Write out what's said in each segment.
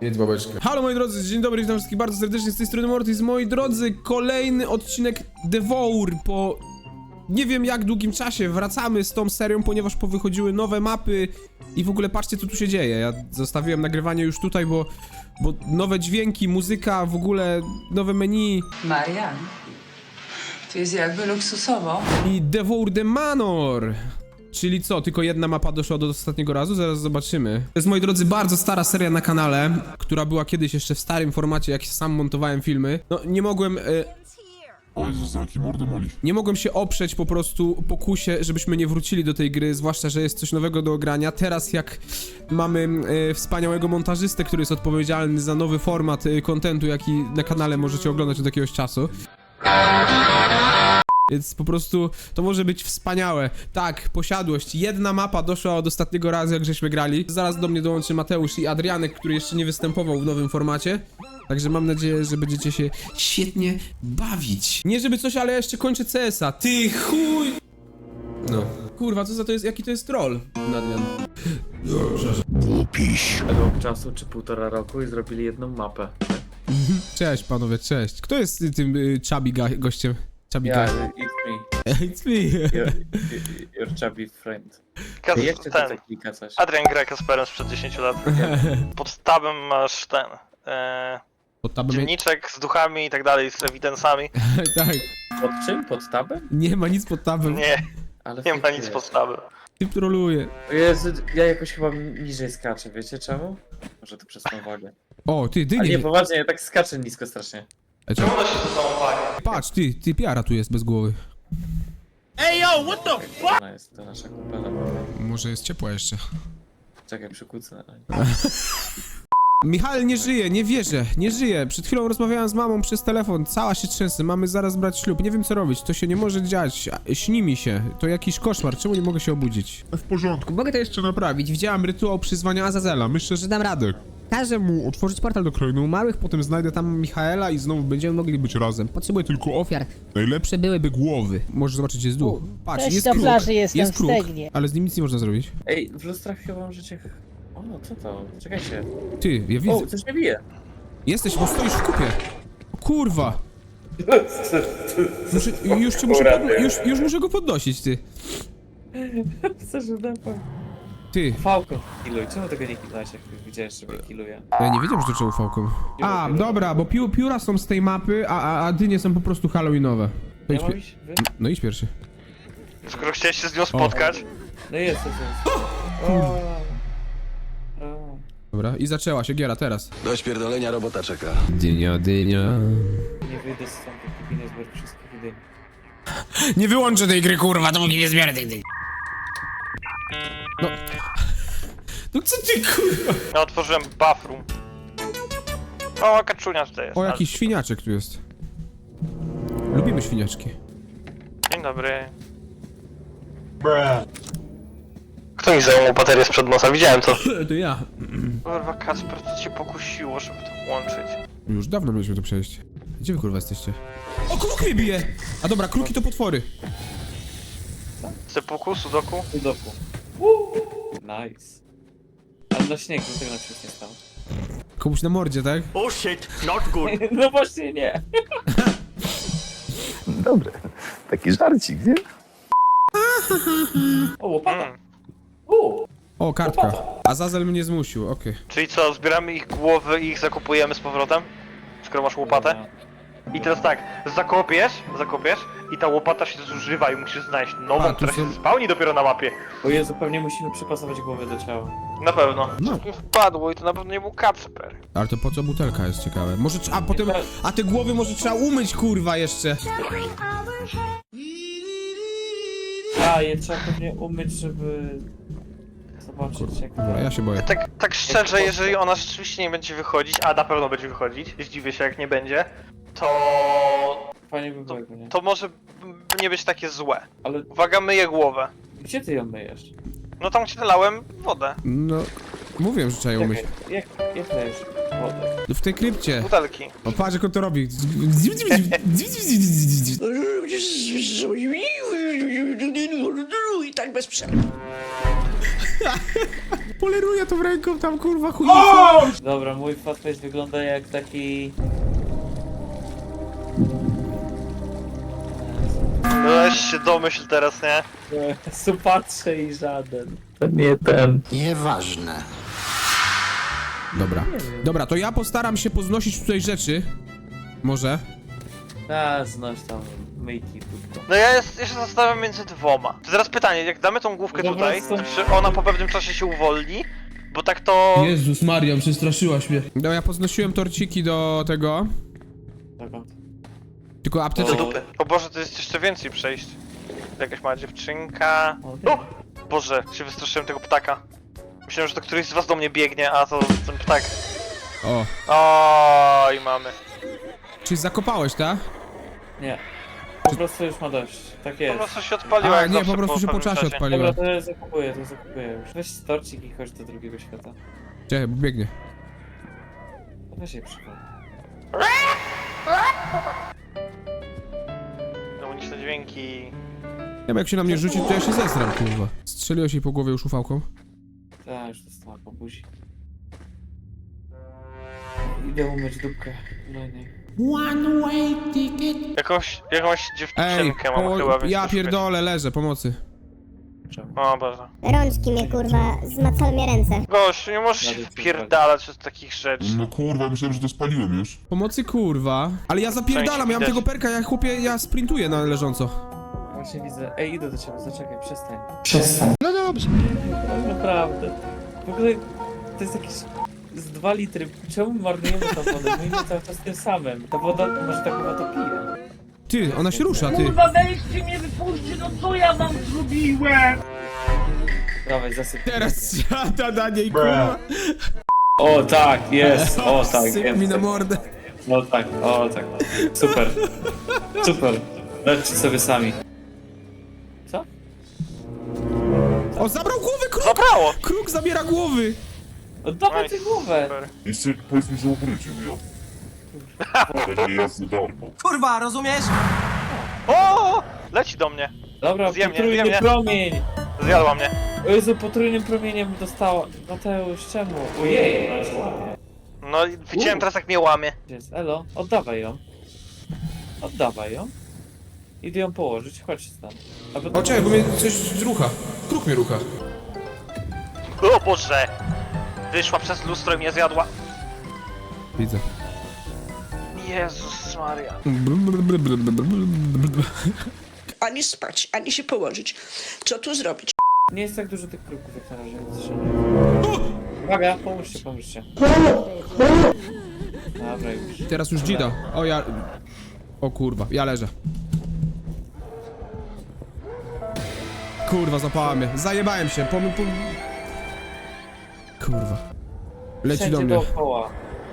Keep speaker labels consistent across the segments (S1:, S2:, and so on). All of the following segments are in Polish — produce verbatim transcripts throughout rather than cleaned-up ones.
S1: Jedz babeczkę. Halo moi drodzy, dzień dobry, witam wszystkich bardzo serdecznie z tej strony Mortis. Moi drodzy, kolejny odcinek Devour po nie wiem jak długim czasie. Wracamy z tą serią, ponieważ powychodziły nowe mapy i w ogóle patrzcie co tu się dzieje. Ja zostawiłem nagrywanie już tutaj, bo, bo nowe dźwięki, muzyka, w ogóle nowe menu.
S2: Marian, tu jest jakby luksusowo.
S1: I Devour the Manor. Czyli co, tylko jedna mapa doszła do ostatniego razu? Zaraz zobaczymy. To jest, moi drodzy, bardzo stara seria na kanale, która była kiedyś jeszcze w starym formacie, jak sam montowałem filmy. No, nie mogłem... E...
S3: O Jezus, jaki mordemoli.
S1: Nie mogłem się oprzeć po prostu pokusie, żebyśmy nie wrócili do tej gry, zwłaszcza, że jest coś nowego do ogrania. Teraz jak mamy e, wspaniałego montażystę, który jest odpowiedzialny za nowy format e, kontentu, jaki na kanale możecie oglądać od jakiegoś czasu. Więc po prostu to może być wspaniałe. Tak, posiadłość. Jedna mapa doszła od ostatniego razu, jak żeśmy grali. Zaraz do mnie dołączy Mateusz i Adrianek, który jeszcze nie występował w nowym formacie. Także mam nadzieję, że będziecie się świetnie bawić. Nie żeby coś, ale ja jeszcze kończę C S a. Ty chuj! No. Kurwa, co za to jest, jaki to jest troll, Adrian?
S3: Głupiś.
S4: Rok czasu czy półtora roku i zrobili jedną mapę.
S1: Cześć panowie, cześć. Kto jest y, tym y, chubby ga- gościem? Chubby
S4: Ja,
S1: guy.
S4: it's me.
S1: It's me.
S4: Your, your chubby friend.
S5: Kas
S4: Jeszcze
S5: ten.
S4: tutaj klika coś.
S5: Adrian gra Kasperem sprzed dziesięciu lat. Pod tabem masz ten. E,
S1: Pod tabem...
S5: dzienniczek z duchami i tak dalej, z ewidencami.
S1: Tak.
S4: Pod czym? Pod tabem?
S1: Nie ma nic pod tabem.
S5: Nie,
S4: Ale
S5: nie ma nic pod tabem.
S1: Ty troluje.
S4: O Jezu, ja jakoś chyba niżej skaczę, wiecie czemu? Może to przez tą wagę.
S1: O, ty, ty
S4: Ale
S1: nie.
S4: nie, poważnie, ja tak skaczę nisko strasznie.
S1: Ej, czekaj.
S5: Ona się ze sobą wagi.
S1: Patrz, ty, ty piara tu jest bez głowy.
S4: Ona jest to nasza kupela.
S1: Może jest ciepła jeszcze.
S4: Czekaj, przykucnę.
S1: Michał nie żyje, nie wierzę, nie żyje. Przed chwilą rozmawiałem z mamą przez telefon, cała się trzęsę, mamy zaraz brać ślub. Nie wiem co robić, to się nie może dziać, a- śni mi się. To jakiś koszmar, czemu nie mogę się obudzić?
S3: W porządku.
S1: Mogę to jeszcze naprawić, widziałem rytuał przyzwania Azazela, myślę, że dam radę. Każę mu otworzyć portal do Krainy Umarłych, potem znajdę tam Michaela i znowu będziemy mogli być razem. Potrzebuję tylko ofiar. Najlepsze byłyby głowy. Możesz zobaczyć, gdzie jest duch. Patrz,
S6: Cześć,
S1: jest
S6: do
S1: kruk.
S6: plaży jestem,
S1: jest kruk,
S6: wstegnie.
S1: ale z nim nic nie można zrobić.
S4: Ej, w lustrach chyba mam życie... O, co to? Czekajcie.
S1: Ty, ja widzę.
S4: O, coś mnie bije.
S1: Jesteś, bo stoisz w kupie. O, kurwa. Muszę, już cię muszę, podno- już, już muszę go podnosić, ty.
S4: Chcesz udapa?
S1: Ty.
S4: Fałko. Kiluj, czemu tego nie kilujesz, jak widziałeś, że mnie kiluje?
S1: Ja nie wiedziałem, że to trzeba ufałką. A, dobra, bo piu, pióra są z tej mapy, a, a, a dynie są po prostu halloweenowe. To
S4: Ja
S1: idź
S4: mam
S1: pi-
S4: iść? Wy?
S1: no idź pierwszy.
S5: Skoro chciałeś się z nią spotkać,
S4: No jest, jest, jest. O. O.
S1: Dobra, i zaczęła się giera teraz.
S7: Do śpierdolenia robota czeka.
S1: Dynia, dynia.
S4: Nie wyjdę stąd, dopóki nie zbiorę wszystkich idei.
S1: Nie wyłączę tej gry, kurwa, dopóki nie zbierę tej dyni. No. No co ty, kurwa?
S5: ja otworzyłem bathroom. O, kaczunia tutaj jest.
S1: O, jakiś świniaczek tu jest. Lubimy świniaczki.
S5: Dzień dobry. Kto mi zajął baterię sprzed nosa? Widziałem to.
S1: To ja.
S5: Kurwa, Kasper, co cię pokusiło, żeby to włączyć?
S1: Już dawno mieliśmy to przejść. Gdzie wy, kurwa, jesteście? O, kruk mnie bije! A dobra, kruki to potwory.
S5: Sepuku, sudoku?
S4: Sudoku. Nice. Ale na śniegu tego na przykład nie stało.
S1: Komuś na mordzie, tak?
S4: No właśnie nie.
S7: Dobre. Taki żarcik, nie?
S4: O, łopata.
S5: Mm.
S4: U.
S1: O, kartka. Azazel mnie zmusił, okej.
S5: Czyli co, zbieramy ich głowy i ich zakopujemy z powrotem? Skoro masz łopatę? I teraz tak, zakopiesz, zakopiesz i ta łopata się zużywa i musisz znaleźć nową,
S1: A, tu
S5: która
S1: są-
S5: się spełni dopiero na mapie.
S4: O Jezu, pewnie musimy przypasować głowę do ciała.
S5: Na pewno.
S1: No.
S5: Coś mi wpadło i to na pewno nie był Kacper.
S1: Ale to po co butelka jest ciekawe? Może trz- a potem, a te głowy może trzeba umyć, kurwa, jeszcze.
S4: A, je trzeba pewnie umyć, żeby... Zobaczyć jak...
S1: Dobra, ja się boję.
S5: Tak, tak szczerze, jeżeli ona rzeczywiście nie będzie wychodzić, a na pewno będzie wychodzić, zdziwię się jak nie będzie, to...
S4: Fajnie by było, jakby nie?
S5: to może nie być takie złe.
S4: Ale
S5: Uwaga, myję głowę.
S4: gdzie ty ją myjesz?
S5: No tam gdzie nalałem wodę.
S1: No, mówiłem, że trzeba ją umyć.
S4: Czekaj, jak, jak myjesz wodę?
S1: W tej krypcie.
S5: Butelki.
S1: O, patrz jak on to robi.
S6: I tak bez przerwy.
S1: Poleruję to w ręką tam, kurwa, chuj.
S4: Dobra, mój fatface wygląda jak taki...
S5: Weź się domyśl teraz, nie?
S4: Supatrze i żaden.
S7: Nieważne.
S1: Dobra. Dobra, to ja postaram się poznosić tutaj rzeczy. Może.
S4: A, znoś tam myjki tylko.
S5: No ja, jest, ja się zastanawiam między dwoma. To teraz pytanie, jak damy tą główkę
S4: Dobra,
S5: tutaj,
S4: są-
S5: czy ona po pewnym czasie się uwolni? Bo tak to...
S1: Jezus Maria, przestraszyłaś mnie. No ja poznosiłem torciki do tego.
S4: Dokąd?
S1: Tylko
S5: Do
S1: apteczek.
S5: dupy. O Boże, to jest jeszcze więcej przejść. Jakaś mała dziewczynka...
S4: Okej.
S5: O! Boże, się wystraszyłem tego ptaka. Myślałem, że to któryś z was do mnie biegnie, a to ten ptak.
S1: O.
S5: Oj, mamy.
S1: Czyli zakopałeś, tak?
S4: Nie. Po prostu już ma dość. Tak
S5: Po
S4: jest.
S5: prostu się odpaliła
S1: A,
S5: jak
S1: nie,
S5: zawsze
S1: po prostu się po
S5: pewnym
S1: czasie odpaliła.
S4: Dobra, to ja zakupuję, to zakupuję już. Weź torcik i chodź do drugiego świata.
S1: Czekaj, bo biegnie.
S4: Weź jej przykład.
S5: Demoniczne dźwięki.
S1: Nie wiem, jak się na mnie rzuci, to ja się zesram, kurwa. Strzeliłeś jej po głowie już ufałką.
S4: Tak, już dostała po buzi. Idę umyć dupkę. Kolejnej.
S5: Jakąś, jakąś
S1: Ej,
S5: dziewczynkę mam
S1: o,
S5: chyba, więc
S1: ja
S5: też
S1: pierdolę, leżę, pomocy.
S4: Czemu?
S5: O Boże.
S6: Rączki mnie kurwa, zmacały mnie ręce.
S5: Gość, nie możesz się
S4: Nawet
S5: wpierdalać z takich rzeczy.
S3: No kurwa, myślałem, że to spaliłem już.
S1: Pomocy, kurwa. Ale ja zapierdalam, ja mam
S5: widać.
S1: tego perka, ja chłopie, ja sprintuję na leżąco.
S4: Właśnie widzę. Ej, idę do ciebie, zaczekaj, przestań. Przestań. No dobrze. Naprawdę. W ogóle to jest jakieś z dwa litry. Czemu marnujemy tą wodę? Myjmy cały czas tym samym. Ta woda, może ta woda to pije.
S1: Ty, ona się rusza, ty.
S8: Kurwa, weźcie mnie, wypuśćcie, no co ja wam zrobiłem?
S4: Dawaj, zasyp.
S1: Teraz siada na niej, kurwa.
S4: O tak, jest. O tak,
S1: Syp
S4: jest.
S1: mi na mordę.
S4: O tak, o tak. Super. Super. Leczcie sobie sami. Co?
S1: O, zabrał głowę, kruk!
S5: Zabrało!
S1: Kruk zabiera głowy!
S4: Oddawaj tę głowę.
S5: Super.
S3: Jeszcze powiedz mi, że ukrycie mnie. To nie jest za darmo.
S9: Kurwa, rozumiesz?
S5: O! Leci do mnie.
S4: Dobra,
S5: Zjem mnie,
S4: potrójny
S5: zjem mnie.
S4: promień.
S5: Zjadła mnie.
S4: O Jezu, potrójnym promieniem dostała. Mateusz, czemu? Ojej, ona jest ładnie.
S5: No i widziałem teraz jak mnie łamie.
S4: Jest, elo, oddawaj ją. Oddawaj ją. Idę ją położyć, chodź stąd. Albo
S1: O, czekaj, bo mnie coś rucha. Kruk mnie rucha.
S5: O Boże! Wyszła przez lustro i mnie zjadła.
S1: Widzę.
S5: Jezus Maria.
S8: Ani spać, ani się położyć. Co tu zrobić?
S4: Nie jest tak dużo tych kruków jak na razie, więc się nie... Uwaga, pomóżcie, pomóżcie. Dobra, już.
S1: Teraz już dzida. O, ja... O kurwa, ja leżę. Kurwa, zapała mnie. Zajebałem się. Pom... pom... Kurwa. Leci
S4: Wszędzie
S1: do mnie.
S4: dookoła.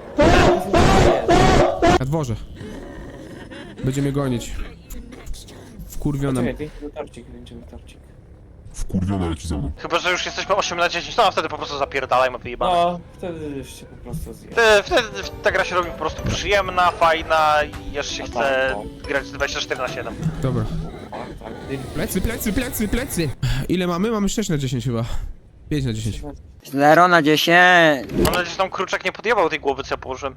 S1: Na dworze. Będzie mnie gonić. Wkurwiona.
S4: Czekaj, kręcimy torcik, kręcimy torcik.
S3: Wkurwiona leci za mną.
S5: Chyba, że już jesteśmy osiem na dziesięć, no a wtedy po prostu zapierdalaj, ma wyjebane.
S4: No, wtedy już się po prostu zje.
S5: Wtedy, wtedy ta gra się robi po prostu przyjemna, fajna i aż się
S4: No
S5: chce
S4: tak,
S5: grać dwadzieścia cztery na siedem.
S1: Dobra.
S4: Tak, tak.
S1: Plecy, plecy, plecy, plecy. Ile mamy? Mamy sześć na dziesięć chyba. pięć na dziesięć.
S9: Zero na dziesięć.
S5: Mam nadzieję, że tam kruczek nie podjebał tej głowy, co ja położyłem.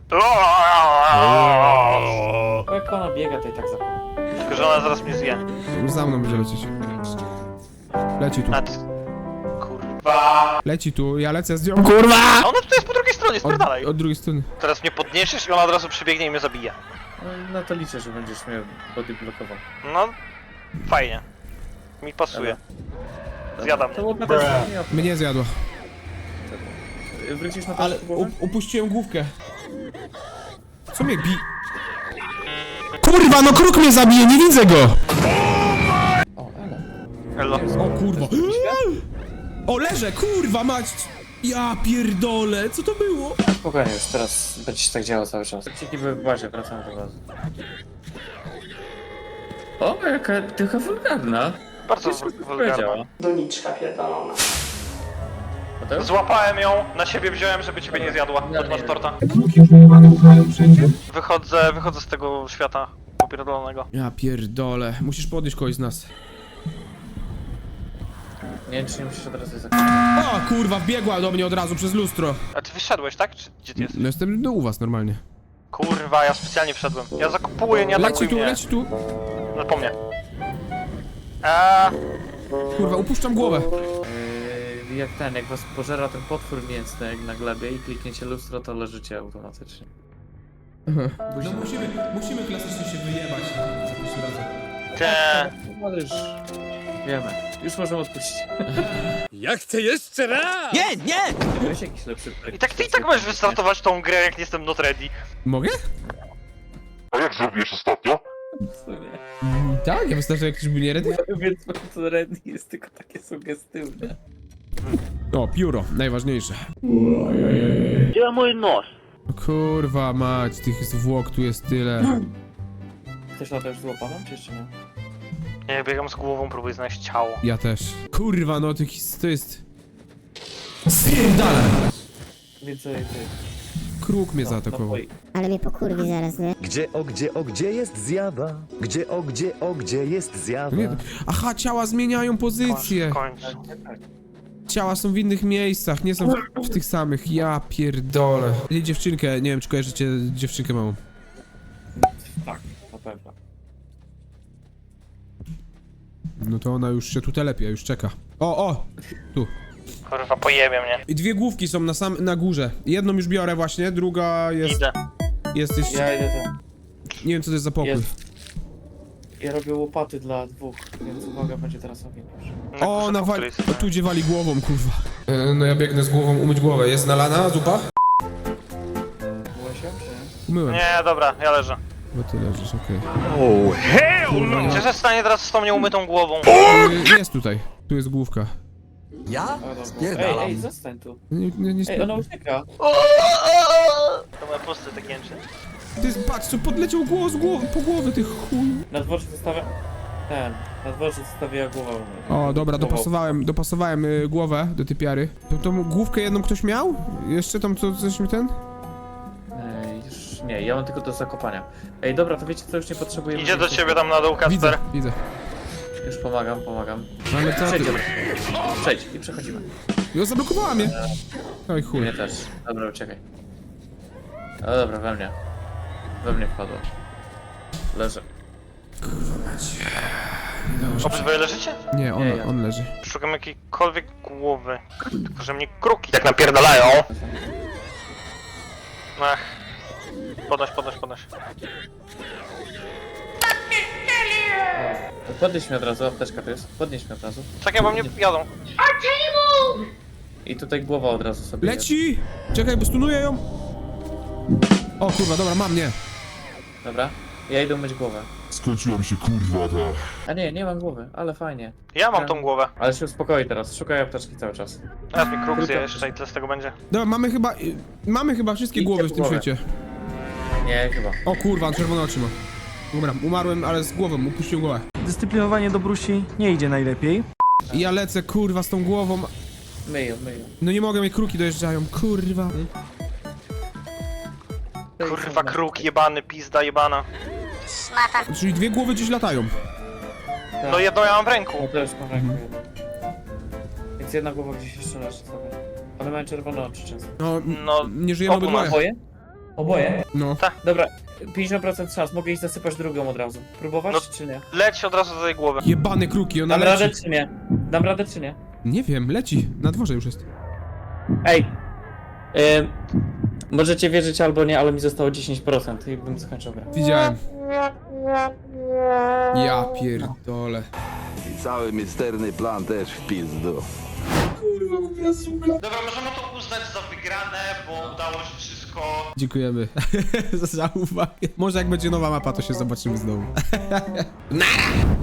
S4: Bo jak ona biega, to i tak zapomnę.
S5: Tylko, że ona zaraz mnie zje.
S1: Za mną będzie lecieć. Leci tu.
S5: A ty... Kurwa.
S1: Leci tu, ja lecę z nią. Kurwa!
S5: A ona tutaj jest po drugiej stronie,
S1: Od,
S5: spierdalaj.
S1: od drugiej strony.
S5: Teraz mnie podniesiesz i ona od razu przybiegnie i mnie zabije.
S4: No, na to liczę, że będziesz mnie body blokował.
S5: No, fajnie. Mi pasuje. Zjadam.
S4: To łopata jest nie
S1: Mnie zjadła.
S4: Wrócisz na to
S1: Ale
S4: głowę?
S1: up- upuściłem główkę. Co mnie bi... Kurwa, no kruk mnie zabije, nie widzę go!
S4: O, elo.
S5: Hello.
S1: O kurwa. O, leżę, kurwa mać! Ja pierdolę, co to było?
S4: Spokojnie już, teraz będzie się tak działo cały czas. Ciki były w bazie, wracamy do bazy. O, jaka tycha wulgarna.
S5: Bardzo
S4: Wszystko
S5: wulgarna.
S4: powiedziała.
S8: Doniczka pierdolona.
S4: Mateusz?
S5: Złapałem ją, na siebie wziąłem, żeby ciebie nie zjadła.
S4: Ja
S5: Od masz
S4: nie
S5: torta. Wychodzę, wychodzę z tego świata popierdolonego.
S1: Ja pierdolę, musisz podnieść kogoś z nas.
S4: Nie wiem, czy nie musisz od razu zakończyć.
S1: O kurwa, wbiegła do mnie od razu przez lustro.
S5: A ty wyszedłeś, tak? Czy gdzie ty jesteś?
S1: No jestem no, u was normalnie.
S5: Kurwa, ja specjalnie wszedłem. Ja zakupuję, nie
S1: Leci
S5: atakuj
S1: tu,
S5: mnie.
S1: leci tu.
S5: No po mnie. Eee,
S1: Kurwa, upuszczam głowę.
S4: Yy, jak ten, jak was pożera ten potwór mięsny jak na glebie i klikniecie lustro, to leżycie automatycznie.
S1: No musimy, musimy klasycznie się wyjebać za pierwszym razem.
S5: te...
S4: No już wiemy. Już możemy odpuścić.
S9: Nie, nie!
S4: Weź jakiś lepszy projekt.
S5: I tak ty i tak możesz wystartować tą grę, jak nie jestem not ready.
S1: Mogę?
S3: A jak zrobiłeś ostatnio?
S4: W sumie.
S1: Tak, ja wystarczy jak ktoś był nie ready.
S4: Więc to Reddy jest tylko takie sugestywne.
S1: O, pióro, najważniejsze.
S9: Gdzie mój nos?
S1: Kurwa mać, tych zwłok tu jest tyle.
S4: Chcesz latać z łopaną, czy jeszcze nie?
S5: Ja biegam z głową, próbuję znaleźć ciało.
S1: Ja też. Kurwa, no to, to jest... Spierdalaj!
S4: Więcej ty.
S1: Kruk mnie
S4: No,
S1: zaatakował.
S4: napoi.
S6: Ale mnie pokurwi zaraz, nie?
S7: Gdzie, o gdzie, o gdzie jest zjawa? Gdzie, o gdzie, o gdzie jest zjawa?
S1: Nie, aha, ciała zmieniają pozycję.
S5: Kończ.
S4: Tak, tak, tak.
S1: Ciała są w innych miejscach, nie są w, w tych samych. Ja pierdolę. I dziewczynkę, nie wiem czy kojarzycie dziewczynkę małą.
S4: Tak, na pewno.
S1: No to ona już się tu telepie, już czeka. O, o! Tu.
S5: Kurwa, pojebie mnie.
S1: I dwie główki są na sam, na górze. Jedną już biorę właśnie, druga jest...
S5: Idę.
S1: Jest jeszcze...
S4: Ja idę tam.
S1: Nie wiem co to jest za pokój.
S4: Jest. Ja robię łopaty dla dwóch, więc uwaga, będzie teraz ogień już.
S1: O,
S5: górze
S1: nawali...
S5: po której
S1: O, tu gdzie wali głową, kurwa. E, no ja biegnę z głową umyć głowę. Jest nalana zupa?
S4: Byłeś się, czy nie?
S1: Umyłem.
S5: Nie, dobra, ja leżę.
S1: Bo ty leżysz, okej.
S5: Czy się stanie teraz z tą nieumytą głową?
S1: Okay. Jest tutaj. Tu jest główka.
S9: Ja?
S4: A, dobra. Ej,
S9: Spierdalam.
S4: ej, zostań tu.
S1: Nie, nie, nie
S4: Ej, ona ucieka.
S5: To moje posty tak jęczy.
S1: Ty jest, patrz, co podleciał głos głowy, po głowie, tych chuj.
S4: Na dworze zostawia... Ten. Na dworze zostawia głowę. u mnie.
S1: O, dobra,
S4: Głową.
S1: dopasowałem, dopasowałem y, głowę do tej piary. To tą główkę jedną ktoś miał? Jeszcze tam co, coś mi ten?
S4: Ej, już nie, ja mam tylko do zakopania. Ej, dobra, to wiecie co, już nie potrzebujemy...
S5: Idzie do
S4: więcej-
S5: ciebie tam na dół,
S1: Widzę,
S5: Kasper.
S1: widzę.
S4: Już pomagam, pomagam.
S1: Ale co ty?
S4: Przejdziemy. Przejdź i przechodzimy.
S1: Jo, zablokowała mnie. Oj chuj.
S4: Mnie też. Dobra, uciekaj. No dobra, we mnie. We mnie wpadło. Leżę.
S5: Obydwoje leżycie?
S1: Nie, on,
S4: Nie, ja.
S1: on leży.
S5: Szukam jakiejkolwiek głowy. Tylko, że mnie kruki tak napierdalają. Ach. Podnoś, podnoś, podnoś.
S4: Podnieś mnie od razu, apteczka to jest. Podnieś mnie od razu.
S5: Czekaj, bo mnie jadą.
S4: I tutaj głowa od razu sobie jest.
S1: Leci! Czekaj, bo stunuję ją. O kurwa, dobra, mam, nie.
S4: Dobra. Ja idę myć głowę.
S3: Skończyła mi się kurwa ta...
S4: A nie, nie mam głowy, ale fajnie.
S5: Ja mam tą głowę.
S4: Ale się uspokoi teraz, szukaj apteczki cały czas.
S5: Teraz mi kruk
S4: Tylko-
S5: zje jeszcze i tyle z tego będzie.
S1: Dobra, mamy chyba, y, mamy chyba wszystkie
S4: Idźcie
S1: głowy w
S4: po
S1: tym
S4: głowę.
S1: świecie.
S4: Nie, chyba.
S1: O kurwa, on czerwone oczy ma. Dobra, umarłem, ale z głową, upuścił głowę.
S9: Dyscyplinowanie do Brusi nie idzie najlepiej.
S1: I ja lecę, kurwa, z tą głową.
S4: Myję, myję.
S1: No nie mogę, mnie kruki dojeżdżają, kurwa.
S5: Kurwa, kruk jebany, pizda jebana.
S1: Czyli dwie głowy gdzieś latają.
S5: No jedną ja mam w
S4: Ja
S5: ręku.
S4: też mam rękę jedną. Więc jedna głowa gdzieś jeszcze leży sobie. One mają czerwone oczy często.
S1: No, m-
S5: No,
S1: nie żyjemy
S5: obu
S1: obydwoje.
S4: Oboje? Oboje?
S1: No.
S4: Dobra, pięćdziesiąt procent szans, mogę iść zasypać drugą od razu. Próbować,
S5: No.
S4: czy nie?
S5: leć od razu do tej głowy.
S1: Jebane kruki, ona
S4: Dam radę,
S1: leci.
S4: czy nie? Dam radę, czy nie?
S1: Nie wiem, leci. Na dworze już jest.
S4: Ej! Ym, możecie wierzyć albo nie, ale mi zostało dziesięć procent i bym skończył grę.
S1: Widziałem. Ja pierdolę.
S7: I cały misterny plan też w pizdu.
S5: Dobra, możemy to uznać za wygrane, bo udało się wszystko.
S1: Dziękujemy za uwagę. Może jak będzie nowa mapa, to się zobaczymy znowu. Nara!